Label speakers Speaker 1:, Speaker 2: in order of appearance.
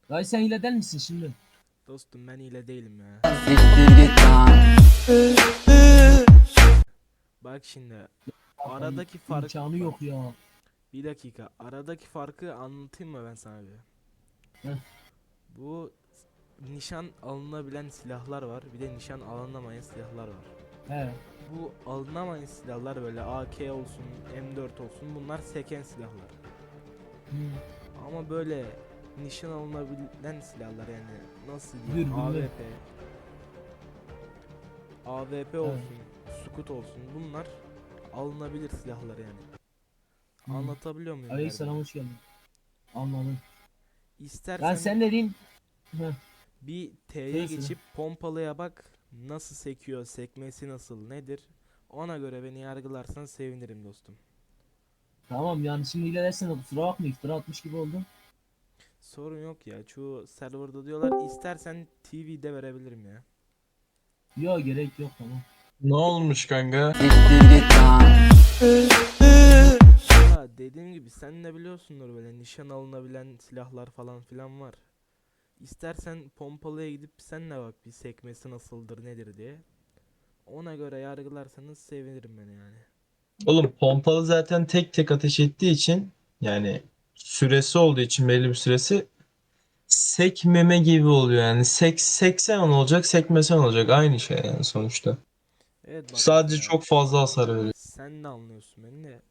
Speaker 1: Dayı sen hile der misin şimdi?
Speaker 2: Dostum ben hile değilim ya.
Speaker 3: Siktir git lan.
Speaker 2: Bak şimdi
Speaker 1: Ya dayı
Speaker 2: aradaki fark
Speaker 1: imkanı
Speaker 2: bak
Speaker 1: yok ya.
Speaker 2: bir dakika aradaki farkı anlatayım mı ben sana bir?
Speaker 1: Heh.
Speaker 2: Bu nişan alınabilen silahlar var, bir de nişan alınamayan silahlar var.
Speaker 1: He.
Speaker 2: Bu alınamayan silahlar böyle AK olsun, M4 olsun, bunlar seken silahlar.
Speaker 1: Hı.
Speaker 2: Ama böyle nişan alınabilen silahlar, yani nasıl diyeyim,
Speaker 1: Dürbünlü.
Speaker 2: AWP
Speaker 1: He.
Speaker 2: olsun, Scout olsun, bunlar alınabilir silahlar yani.
Speaker 1: Hı.
Speaker 2: Anlatabiliyor muyum
Speaker 1: Aleykümselam,
Speaker 2: derdimi?
Speaker 1: hoş geldin. Anladım. Yani
Speaker 2: İstersen
Speaker 1: sen dediğin... Heh.
Speaker 2: bir T'ye
Speaker 1: Söyle söyle.
Speaker 2: geçip pompalıya bak, nasıl sekiyor, sekmesi nasıl, nedir? Ona göre beni yargılarsan sevinirim dostum.
Speaker 1: Tamam yani şimdi hile dersen de kusura bakma, iftira atmış gibi oldum.
Speaker 2: Sorun yok ya, çoğu serverda diyorlar, istersen TV'de verebilirim ya.
Speaker 1: Yok, gerek yok, tamam.
Speaker 4: Ne olmuş kanka?
Speaker 3: Siktir git lan.
Speaker 2: Ya dediğim gibi sen de biliyorsundur, böyle nişan alınabilen silahlar falan filan var. İstersen pompalıya gidip sen de bak, bir sekmesi nasıldır nedir diye. Ona göre yargılarsanız sevinirim beni yani.
Speaker 4: Olur, pompalı zaten tek tek ateş ettiği için, yani süresi olduğu için, belli bir süresi, sekmeme gibi oluyor yani. Seksen olacak, sekmesen olacak, aynı şey yani sonuçta.
Speaker 2: Evet bak
Speaker 4: Sadece
Speaker 2: mesela
Speaker 4: çok fazla hasar veriyor.
Speaker 2: sen de anlıyorsun beni de.